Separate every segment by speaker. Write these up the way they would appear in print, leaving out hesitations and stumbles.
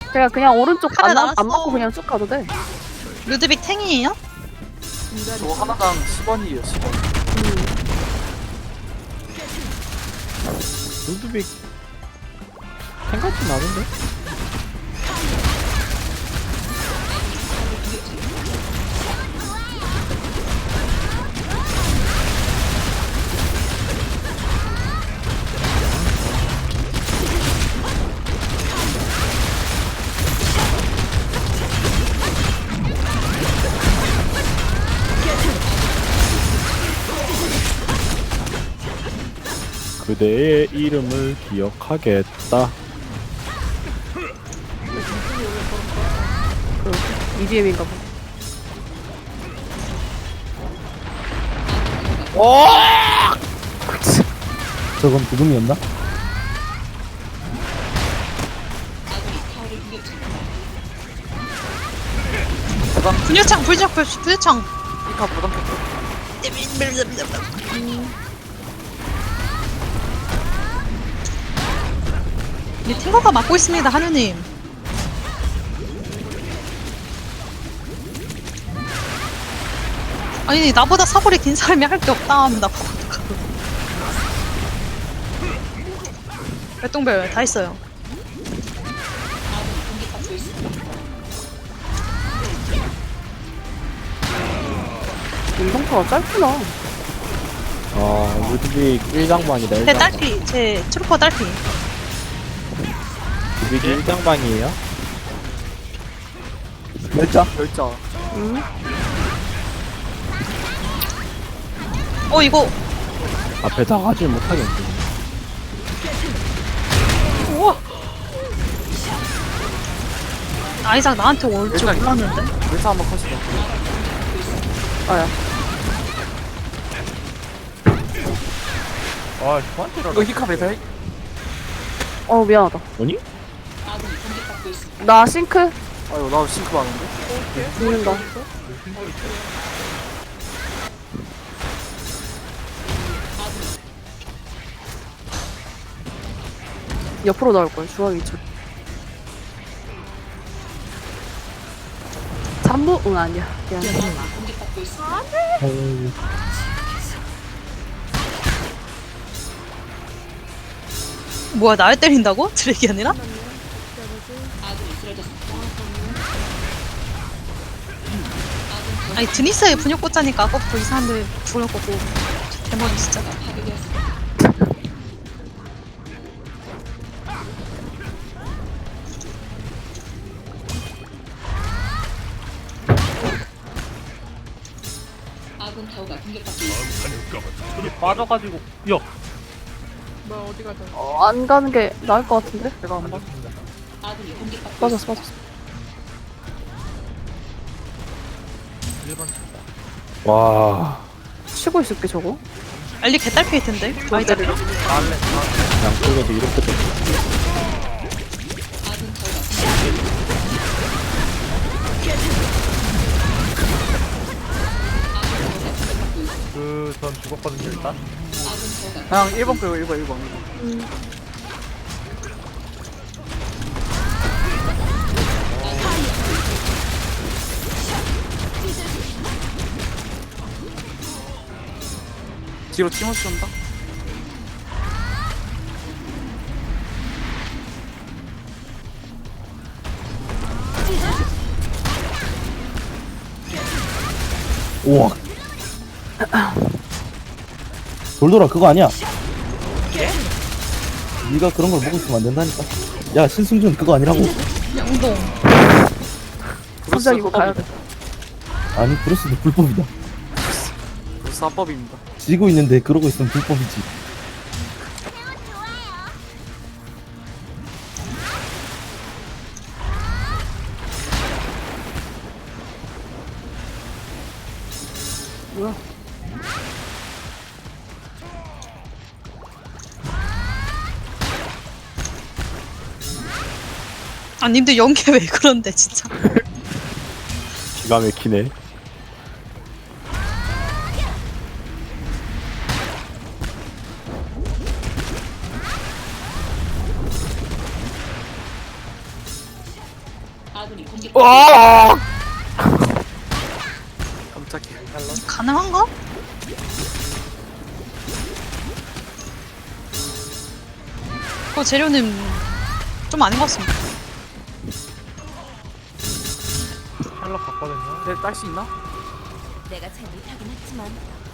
Speaker 1: 제가 그냥 오른쪽
Speaker 2: 칼을
Speaker 1: 안
Speaker 2: 날았어.
Speaker 1: 맞고 그냥 쭉 가도 돼.
Speaker 2: 루드빅 탱이에요?
Speaker 3: 저거 하나당 10원이에요 10원.
Speaker 4: 루드빅 생각이 나는데? 그대의 이름을 기억하겠다.
Speaker 1: EDM인가 봐.
Speaker 5: 저건 부금이었나?
Speaker 2: 분유창 분유창.
Speaker 3: 이카 부담 켰어.
Speaker 2: 이 탱커가 막고 있습니다, 하느님. 아니 나보다 사거리 긴 사람이 할 게 없다 하면 나보고 어떡하고. 별똥별 다 있어요.
Speaker 1: 운동파가 짧구나.
Speaker 4: 루드빅 1장반이다.
Speaker 2: 제 딸피, 제 트루퍼 딸피.
Speaker 4: 루드빅 1장반이에요?
Speaker 5: 멸자?
Speaker 3: 결자.
Speaker 2: 이거
Speaker 4: 앞에 나가질 못하겠네.
Speaker 2: 아이작 나한테 올 줄
Speaker 3: 일단
Speaker 2: 몰랐는데.
Speaker 3: 외사 한번 컷이다.
Speaker 1: 아야.
Speaker 4: 아, 저한테라.
Speaker 3: 이거 히카 배달?
Speaker 1: 미안하다.
Speaker 4: 아니?
Speaker 1: 나 싱크
Speaker 3: 아유 나 싱크 많은데?
Speaker 1: 죽는다. 옆으로 나올 거야. 중앙이 쪽. 3부? 응 아니야. 미안.
Speaker 2: 뭐야 날 때린다고? 드랙이 아니라? 아니 드니스에 분역 꽂자니까 아까부터 이 사람들 분역 꽂고 대머리 진짜.
Speaker 4: 빠져가지고. 야!
Speaker 1: 안 가는 게 나을 것 같은데?
Speaker 3: 내가 한 번.
Speaker 1: 빠졌어.
Speaker 4: 와.
Speaker 1: 쉬고 있을게 저거.
Speaker 2: 알리 개딸피일 텐데. 아이작.
Speaker 4: 양쪽에도 이렇게 됐어. 전 죽었거든요, 일단.
Speaker 3: 그냥 1번 끌고 1번. 뒤로 티모시 온다?
Speaker 5: 우와. 돌돌아 그거 아니야? 네가 그런 걸 먹고 있으면 안 된다니까. 야 신승준 그거 아니라고.
Speaker 2: 양동.
Speaker 1: 진짜 이거 가야 돼.
Speaker 5: 아니 브루스도 불법이다.
Speaker 3: 벌써 합법입니다.
Speaker 5: 지고 있는데 그러고 있으면 불법이지.
Speaker 1: 뭐야?
Speaker 2: 아 님들 연계 왜 그런데 진짜.
Speaker 4: 기가 막히네.
Speaker 3: 와! 깜짝이야.
Speaker 2: 가능한가? 그 재료는 좀 아닌 것 같습니다.
Speaker 4: 샬럿 갔거든요.
Speaker 3: 쟤 딸 수 있나?
Speaker 6: 내가 잘 못하긴 했지만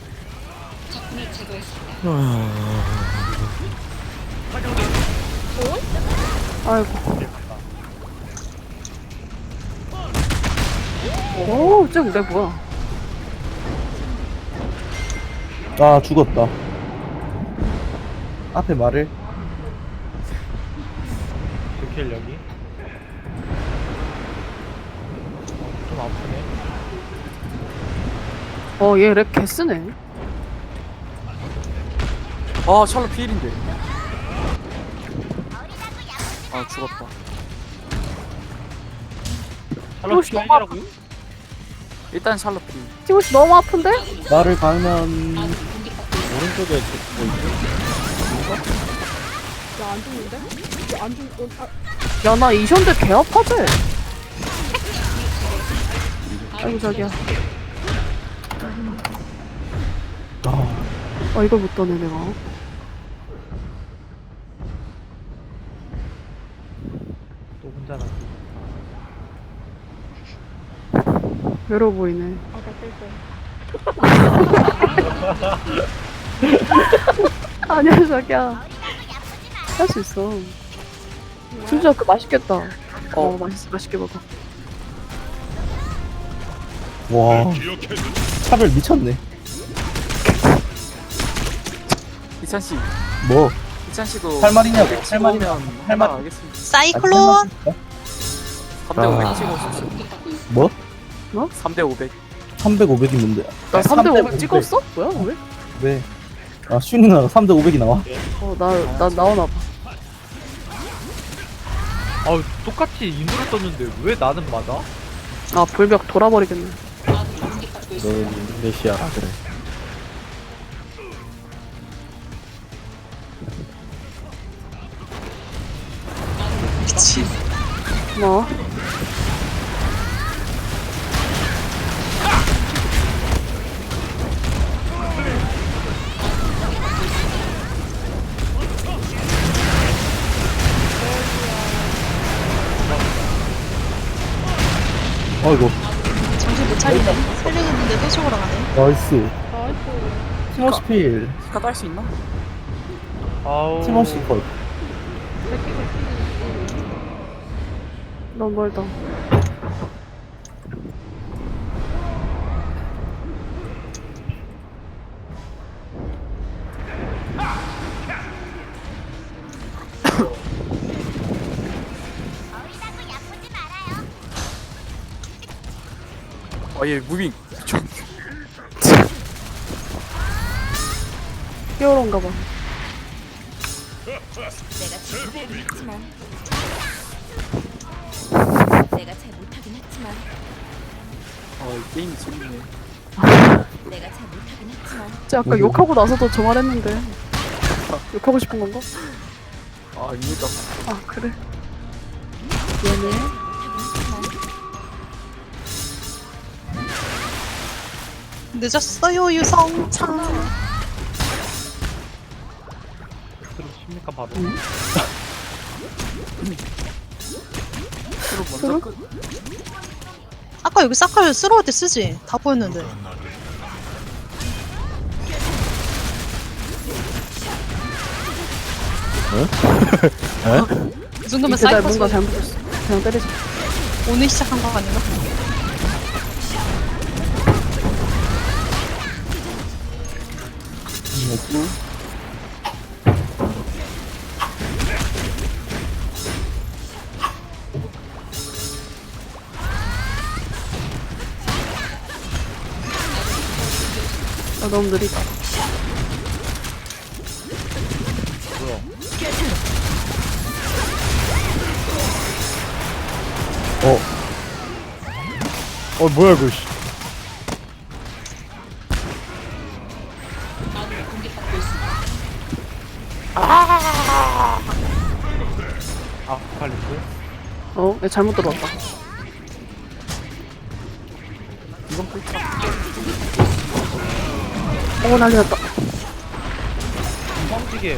Speaker 1: 아이고. 오, 쟤 뭐야?
Speaker 5: 아 죽었다. 앞에 말을.
Speaker 4: 킬력이 좀 아프네.
Speaker 1: 얘 랩 개쓰네.
Speaker 3: 아, 샬롯 피일인데. 아, 죽었다.
Speaker 4: 샬럿 피해라고요?
Speaker 3: 일단 샬롯 피일.
Speaker 1: 티모시 너무 아픈데?
Speaker 5: 말을 가면
Speaker 4: 오른쪽에 뭐 있지?
Speaker 1: 야, 나 이션데 개 아파지? 아이고, 자기야. 이걸 못 떠네, 내가.
Speaker 4: 또 혼자 나.
Speaker 1: 외로워 보이네. 아니야, 자기야. 할 수 있어. 진짜 그 맛있겠다. 맛있게 먹어.
Speaker 5: 와 차별 미쳤네.
Speaker 3: 이찬 씨,
Speaker 5: 뭐
Speaker 3: 이찬 씨도
Speaker 5: 할 말이냐고,
Speaker 3: 할
Speaker 5: 할 말이냐. 할 말.
Speaker 3: 알겠습니다.
Speaker 2: 사이클론!
Speaker 3: 3대 500 찍어 오십시오.
Speaker 5: 뭐?
Speaker 3: 3대 500.
Speaker 5: 300, 500이 뭔데?
Speaker 1: 나 3대 500
Speaker 5: 500.
Speaker 1: 찍었어? 뭐야, 왜?
Speaker 5: 왜? 아 슈니 누나가 3대 500이 나와.
Speaker 1: 나 나오나봐.
Speaker 4: 아우 똑같이 인도를 썼는데 왜 나는 맞아?
Speaker 1: 아, 불벽 돌아버리겠네.
Speaker 4: 넌 인도네시아라 그래.
Speaker 2: 미친.
Speaker 1: 뭐?
Speaker 5: 아이고
Speaker 2: 정신 못 차리네. 살리겠는데 또 죽으러 가네.
Speaker 5: 나이스. 티모시 필.
Speaker 3: 스카 딸 수 있나?
Speaker 4: 아우.
Speaker 5: 티모시 컷.
Speaker 1: 너무 멀다.
Speaker 3: 얘 무빙.
Speaker 1: 히어로인가 봐.
Speaker 6: 내가 잘 못하긴 했지만 내가 잘 못하긴 했지만
Speaker 3: 이 게임이 재밌네.
Speaker 6: 내가 잘 못하긴 했지만
Speaker 1: 쟤 아까 욕하고 나서도 저 말했는데. 욕하고 싶은 건가?
Speaker 3: 아닙니다.
Speaker 1: 아, 그래. 미안해.
Speaker 6: 못하긴 했지만
Speaker 2: 늦었어요, 유성창.
Speaker 4: 스스로 십니까 바로.
Speaker 3: 서로 먼저
Speaker 1: 서로?
Speaker 3: 끝.
Speaker 2: 아까 여기 사칼 쓰러울 때 쓰지. 다 보였는데. 이 정도면
Speaker 1: 이때 날
Speaker 2: 사이퍼
Speaker 1: 뭔가
Speaker 2: 소리.
Speaker 1: 잘못했어. 그냥 때리자.
Speaker 2: 오늘 시작한 거 아닌가?
Speaker 1: 너무 느리다.
Speaker 4: 뭐야 이거 씨. 아칼리스?
Speaker 1: 얘 잘못 들어왔다. 오, 난리 났다.
Speaker 4: 뻥튀기.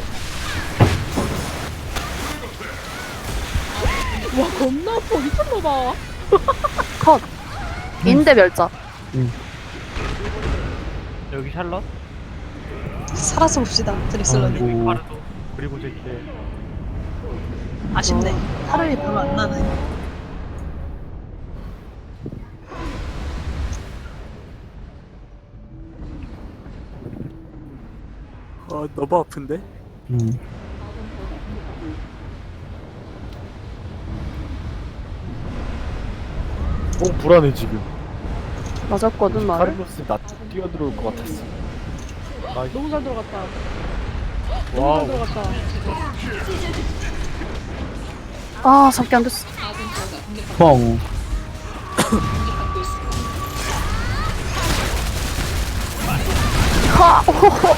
Speaker 7: 와 겁나 아파 미쳤나봐.
Speaker 1: 컷. 인대 멸자.
Speaker 4: 여기 샬럿.
Speaker 2: 살아서 봅시다 드렉슬러님.
Speaker 5: 아이고.
Speaker 4: 파르도. 그리고 제게.
Speaker 2: 아쉽네. 하루이 별로 안 나네.
Speaker 3: 아 너무 아픈데?
Speaker 8: 불안해 지금.
Speaker 1: 맞았거든, 말을.
Speaker 8: 카르로스 나 뛰어들어올 것 같았어.
Speaker 7: 너무 잘 들어갔다. 너무 잘
Speaker 8: 와우.
Speaker 7: 들어갔다.
Speaker 1: 아, 잡기 안 됐어.
Speaker 5: 펑.
Speaker 1: 하! 호호!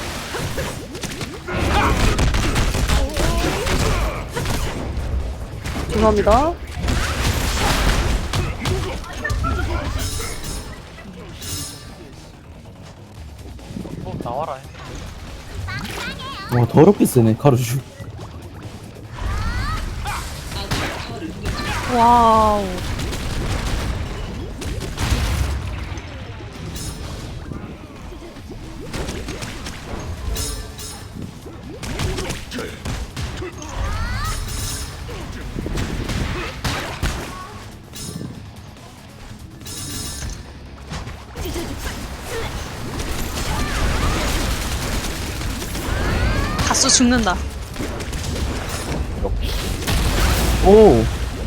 Speaker 1: 죄송합니다.
Speaker 4: 나와라.
Speaker 5: 와, 더럽게 세네, 카루슈.
Speaker 2: 와우. 다수 죽는다.
Speaker 5: 오!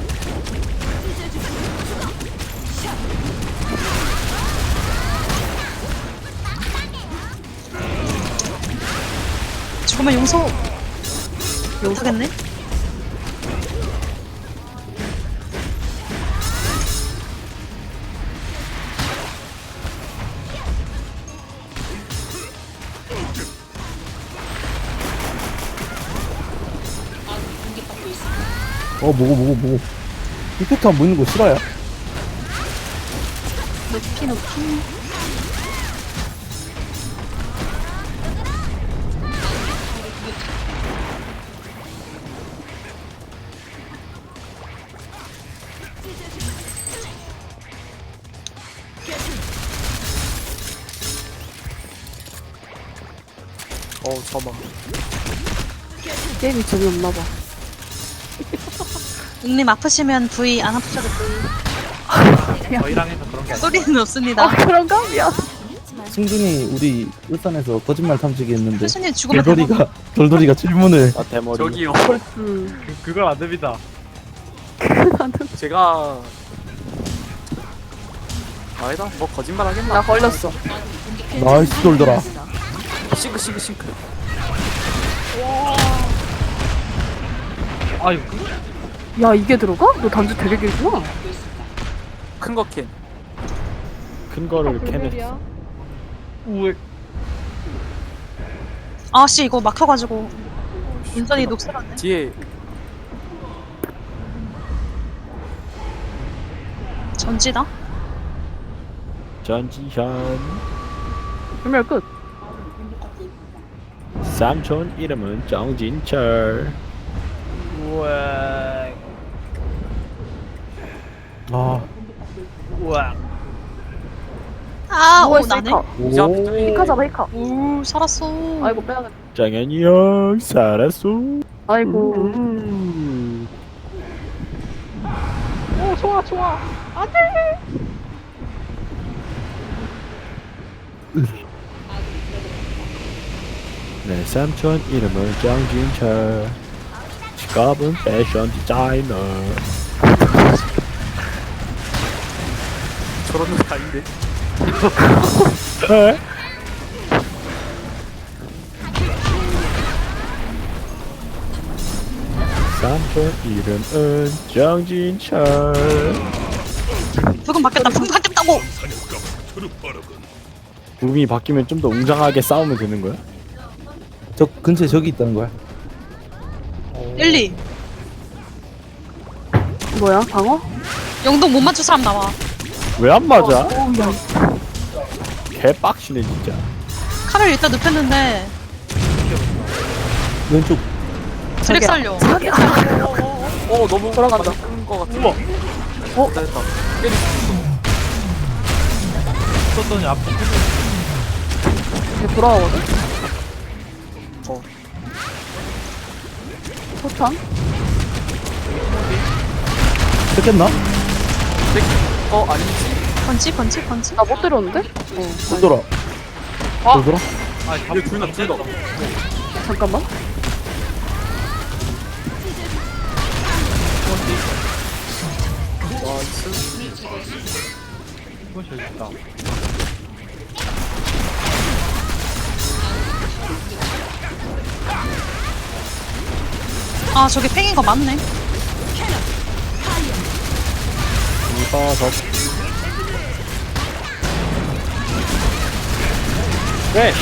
Speaker 2: 정말 용서 못하겠네.
Speaker 5: 뭐고. 이펙트 안 보이는 거 싫어요?
Speaker 2: 높이 높이.
Speaker 3: 저만.
Speaker 1: 게임이 재미없나봐.
Speaker 2: 님 아프시면 V, 안 아프셔도 V.
Speaker 4: 저희랑 해서 그런 게 아니야.
Speaker 2: 소리는 없습니다.
Speaker 1: 아, 그런가? 미안.
Speaker 5: 승준이 우리 울산에서 거짓말 탐지기 했는데
Speaker 2: 교수님 죽으면 대박.
Speaker 5: 돌돌이가 질문을
Speaker 8: 아 대머리.
Speaker 3: 저기요.
Speaker 4: 그건 안 됩니다.
Speaker 3: 제가 아니다. 뭐 거짓말 하겠나?
Speaker 1: 나 걸렸어.
Speaker 5: 나이스 돌더라.
Speaker 3: 싱크.
Speaker 4: 아이고.
Speaker 1: 야, 이게 들어가? 너 단지 되게 길구나.
Speaker 3: 큰 거 캔.
Speaker 8: 큰 거를 캐냈어.
Speaker 7: 불멸이야.
Speaker 4: 우엑.
Speaker 2: 아씨 이거 막혀가지고 운전이 녹슬었네.
Speaker 3: 뒤에
Speaker 2: 전지다.
Speaker 8: 전지현.
Speaker 1: 불멸 끝.
Speaker 8: 삼촌 이름은 정진철.
Speaker 4: 우엑.
Speaker 5: 아,
Speaker 4: 우엑.
Speaker 2: 아, 오
Speaker 1: 누워있어,
Speaker 2: 나네.
Speaker 1: 히카.
Speaker 3: 이자
Speaker 1: 히카 잡아, 히카.
Speaker 2: 오 살았어.
Speaker 1: 아이고, 빼야겠다.
Speaker 8: 장현이 형 살았어.
Speaker 1: 아이고.
Speaker 7: 오 좋아. 안돼.
Speaker 8: 내 삼촌 이름은 정진철. 직업은 패션 디자이너.
Speaker 3: 저런 놈이 아닌데.
Speaker 8: 에? 삼촌 이름은 정진철.
Speaker 2: 부금 바뀌었다. 부금 바뀌었다고.
Speaker 8: 붐이 바뀌면 좀 더 웅장하게 싸우면 되는 거야?
Speaker 5: 저 근처에 저기 있다는 거야.
Speaker 2: 1, 2.
Speaker 1: 뭐야, 방어?
Speaker 2: 영동 못 맞출 사람 나와.
Speaker 8: 왜 안 맞아?
Speaker 1: 오, 야.
Speaker 8: 개빡치네 진짜.
Speaker 2: 칼을 일단 눕혔는데
Speaker 5: 왼쪽.
Speaker 2: 드랙 살려.
Speaker 1: 자기야.
Speaker 3: 너무
Speaker 1: 돌아간다.
Speaker 3: 큰거 같아.
Speaker 4: 우와.
Speaker 3: 됐다. 때리.
Speaker 4: 썼더니 앞에
Speaker 1: 얘 돌아오거든?
Speaker 3: 어.
Speaker 1: 포탄?
Speaker 5: 뺏겼나?
Speaker 3: 아니지.
Speaker 2: 번지.
Speaker 1: 나 못 때렸는데?
Speaker 5: 못 돌아. 못 돌아?
Speaker 4: 아
Speaker 3: 얘 둘다 둘다.
Speaker 1: 잠깐만.
Speaker 4: 이건 저기 있다.
Speaker 2: 아 저게 팽인 거 맞네.
Speaker 8: 이거 더. 네.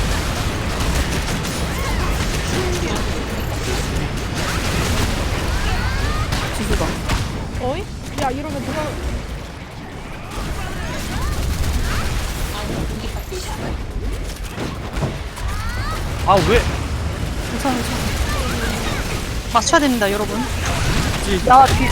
Speaker 1: 지수다.
Speaker 7: 어이? 야 이러면 누가
Speaker 4: 아 왜?
Speaker 1: 괜찮아, 괜찮아.
Speaker 2: 맞춰야 됩니다 여러분.
Speaker 1: 야, 뒤.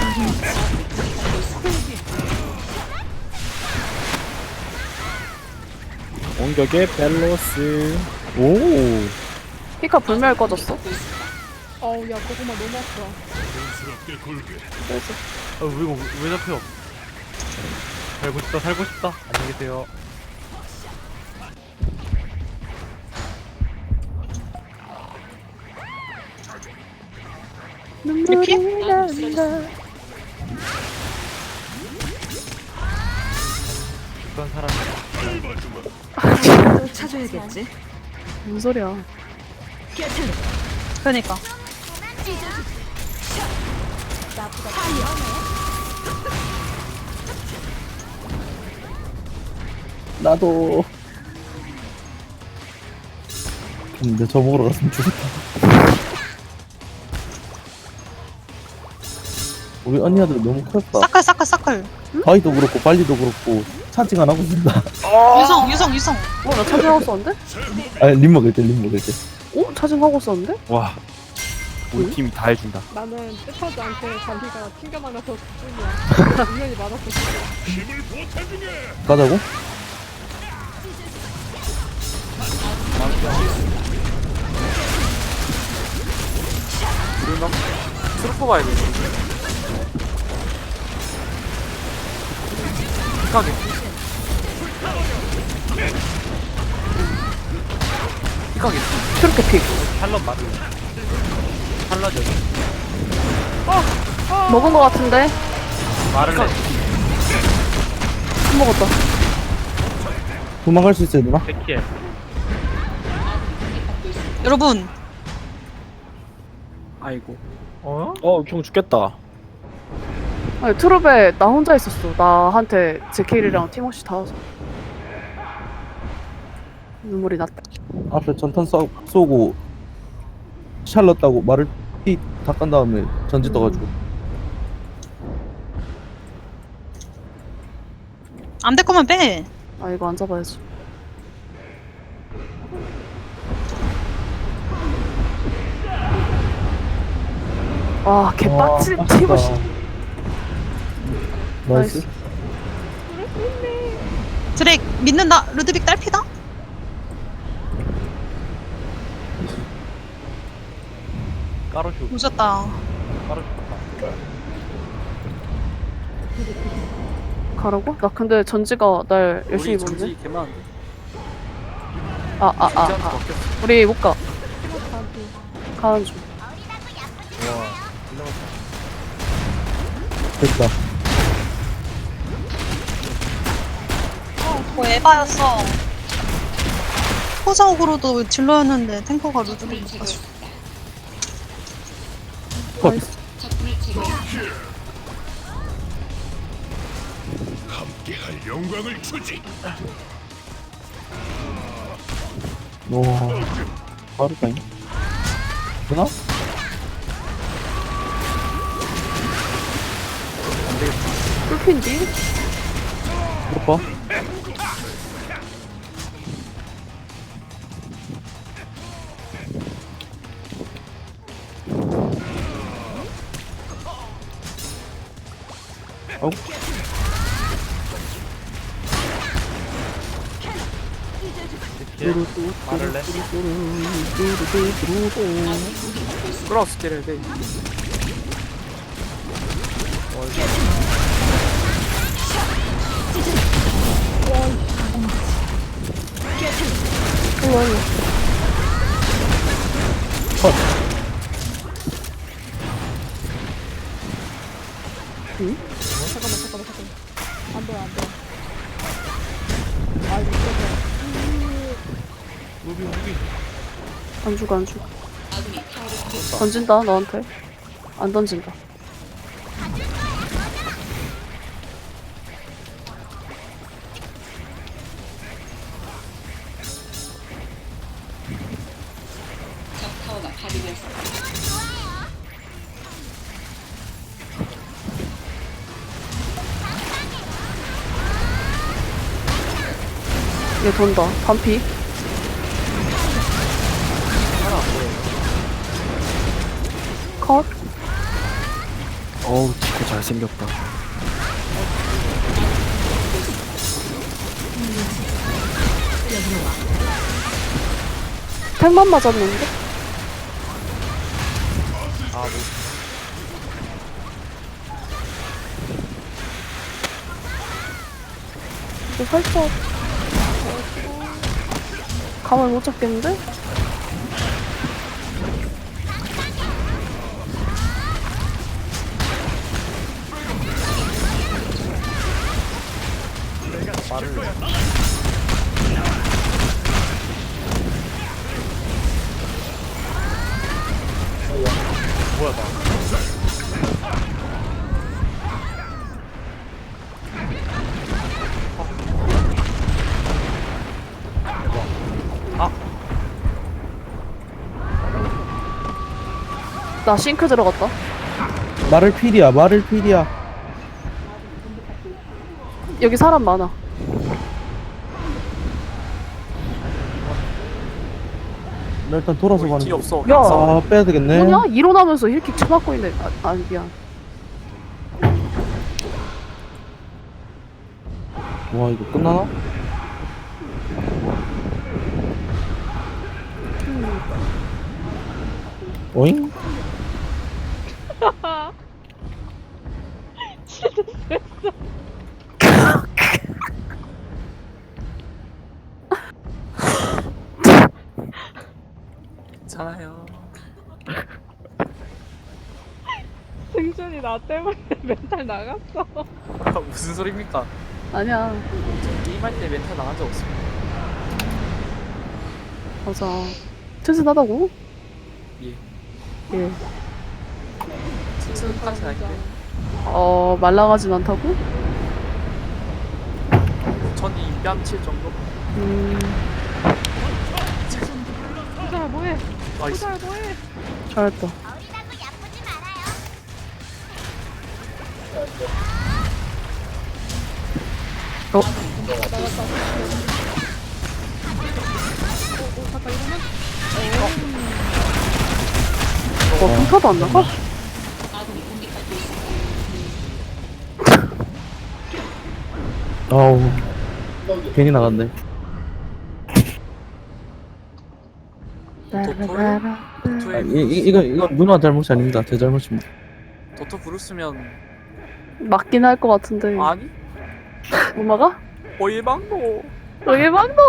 Speaker 8: 공격의 밸런스. 오.
Speaker 1: 피카 불멸 꺼졌어?
Speaker 7: 어우 야 고구마 너무 아프다.
Speaker 1: 그래서.
Speaker 4: 아 이거 왜 잡혀? 살고 싶다. 안녕히 계세요.
Speaker 2: 리피?
Speaker 4: 어떤 사람이
Speaker 1: 뭔 소리야.
Speaker 2: 그러니까.
Speaker 5: 나도. 근데 저 먹으러 갔으면 죽었다. 우리 언니들 너무 컸다.
Speaker 2: 사클.
Speaker 5: 바위도 그렇고 발리도 그렇고 차징 안 하고 있다.
Speaker 2: 유성.
Speaker 1: 나 차징하고 썼는데?
Speaker 5: 아니 림 먹을 때.
Speaker 1: 차징하고 썼는데?
Speaker 8: 와. 우리 팀이 다 해준다.
Speaker 7: 나는 뜻하지않게 자기가 튕겨 나가서 그뿐이야. 분명히 맞았어.
Speaker 5: 가자고?
Speaker 3: 우리가 트루퍼 봐야 돼. pik하게. pik하게.
Speaker 1: 트루케 픽.
Speaker 4: 샬럿 맞아. 샬럿 여기.
Speaker 1: 먹은 거 같은데?
Speaker 4: 말을 해.
Speaker 1: 안 먹었다.
Speaker 5: 도망갈 수 있어야 되나?
Speaker 4: 백킬.
Speaker 2: 여러분
Speaker 3: 아이고.
Speaker 4: 어?
Speaker 8: 형 죽겠다.
Speaker 1: 아니, 트룹에 나 혼자 있었어. 나한테 제킬이랑 티모시 다 와서. 눈물이 났다.
Speaker 5: 앞에 전탄 쏘고 샬럿 따고 말을 피 닦은 다음에 전지 떠가지고
Speaker 2: 안 될 거면 빼.
Speaker 1: 아, 이거 안 잡아야지. 와, 개빡친
Speaker 5: 와,
Speaker 1: 티모시.
Speaker 5: 나이스.
Speaker 2: 드랙 믿는다. 루드빅 딸피다.
Speaker 4: 까로슈.
Speaker 2: 오졌다.
Speaker 4: 까로슈.
Speaker 1: 가라고? 나 근데 전지가 날 열심히
Speaker 3: 우리
Speaker 1: 보는데?
Speaker 3: 전지 개 많은데.
Speaker 1: 아.
Speaker 3: 진지한테 바뀌었어.
Speaker 1: 우리 못 가. 가는 중.
Speaker 4: 와.
Speaker 5: 됐다.
Speaker 2: 뭐 에바였어. 포자옥으로도 딜러였는데 탱커가 루드빅 가지고.
Speaker 5: 컷. 와, 빠르다잉. 되나?
Speaker 1: 꿀핀디?
Speaker 5: 이거 봐.
Speaker 4: 말을 내.
Speaker 3: 끌어서 때려야 돼.
Speaker 7: 잠깐만. 안 돼. 아, 이거
Speaker 4: 무비.
Speaker 1: 안 죽어. 던진다 너한테. 안 던진다. 얘 돈다. 반피. 컷.
Speaker 8: 어우 치코 잘생겼다.
Speaker 1: 탱만 맞았는데? 이거 살짝 감을 못 잡겠는데?
Speaker 4: 뭐야 나.
Speaker 1: 나 싱크 들어갔다.
Speaker 5: 말을 필이야.
Speaker 1: 여기 사람 많아.
Speaker 5: 나 일단 돌아서 가는
Speaker 3: 뒤
Speaker 5: 거.
Speaker 3: 없어.
Speaker 1: 야.
Speaker 5: 아 빼야 되겠네.
Speaker 1: 뭐냐? 일어나면서 힐킥 쳐맞고 있네. 아 미안.
Speaker 5: 와 이거 끝나나? 오잉?
Speaker 3: 괜찮아요.
Speaker 7: 승준이 나 때문에 멘탈 나갔어.
Speaker 3: 무슨 소리입니까?
Speaker 1: 아니야.
Speaker 3: 저 게임할 때 멘탈 나간 적 없습니다.
Speaker 1: 맞아. 튼튼하다고?
Speaker 3: 예.
Speaker 1: 예.
Speaker 3: 튼튼까지 아닌데.
Speaker 1: 말랑하진 않다고?
Speaker 3: 전이 뺨칠 정도?
Speaker 7: 승준아 뭐해?
Speaker 3: 나이스.
Speaker 7: 승준아 뭐해?
Speaker 1: 잘했다.
Speaker 7: 잠깐 이러면
Speaker 1: 평타도 안 나가?
Speaker 5: 아우 괜히 나갔네. 아, 이건 누나 잘못이 아닙니다. 제 잘못입니다.
Speaker 3: 도토 부르스면
Speaker 1: 맞긴 할 것 같은데.
Speaker 3: 아니?
Speaker 1: 못 막아?
Speaker 3: 일방도.
Speaker 1: 일방도!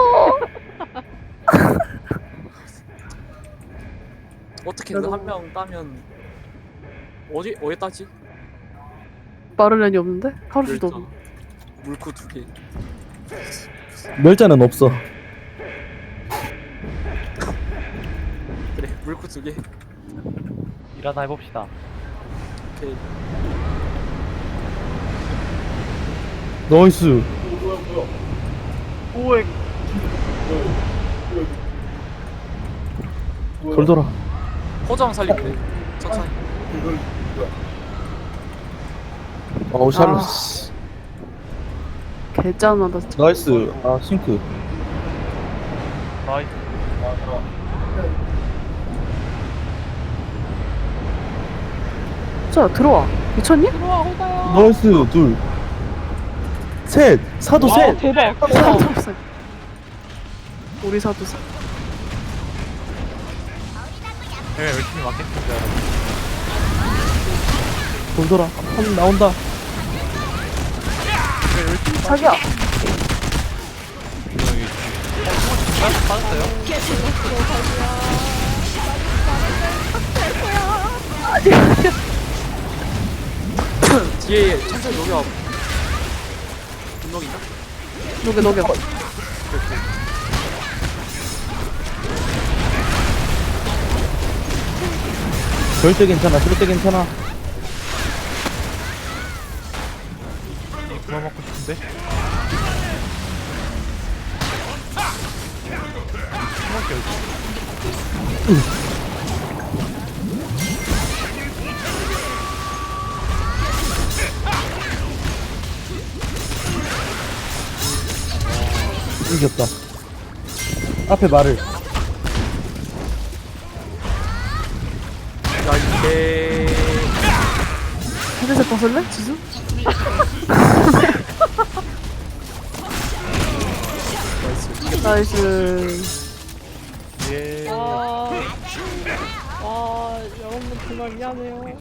Speaker 3: 어떻게든
Speaker 1: 그래도-
Speaker 3: 한 명 따면 어디 따지?
Speaker 1: 마를렌이 없는데? 카루시도
Speaker 3: 멸자.
Speaker 1: 없는데.
Speaker 3: 물고 2개.
Speaker 5: 멸자는 없어.
Speaker 3: 그래 물고 2개.
Speaker 4: 일하나 해봅시다.
Speaker 3: 오케이.
Speaker 5: 나이스.
Speaker 4: 오엑.
Speaker 5: 돌더라.
Speaker 3: 허정 살리면 돼. 천천히.
Speaker 5: 어우 샬롯.
Speaker 1: 개짠하다 진짜.
Speaker 5: 나이스. 아 싱크.
Speaker 4: 나이스.
Speaker 1: 자 들어와. 미쳤니?
Speaker 7: 들어와 호다야.
Speaker 5: 나이스 둘. 셋. 사도
Speaker 7: 와
Speaker 5: 셋.
Speaker 7: 대박.
Speaker 1: 사도 없어. 우리 사도 사.
Speaker 4: 제가 열심히 맞겠습니다.
Speaker 5: 돌돌아. 한 나온다.
Speaker 1: 자기야.
Speaker 4: 빠졌어요?
Speaker 3: 뒤에 천천히 녹여. 분노기인가?
Speaker 1: 녹여.
Speaker 5: 절대 괜찮아. 절대 괜찮아.
Speaker 4: 그만 먹고 싶은데? 숨을게요.
Speaker 5: 이겼다. 앞에 말을.
Speaker 3: 야 이게
Speaker 1: 헤드셋 벗을래? 지수? 나이스.
Speaker 4: 예.
Speaker 7: 와 여러분들 정말 미안해요.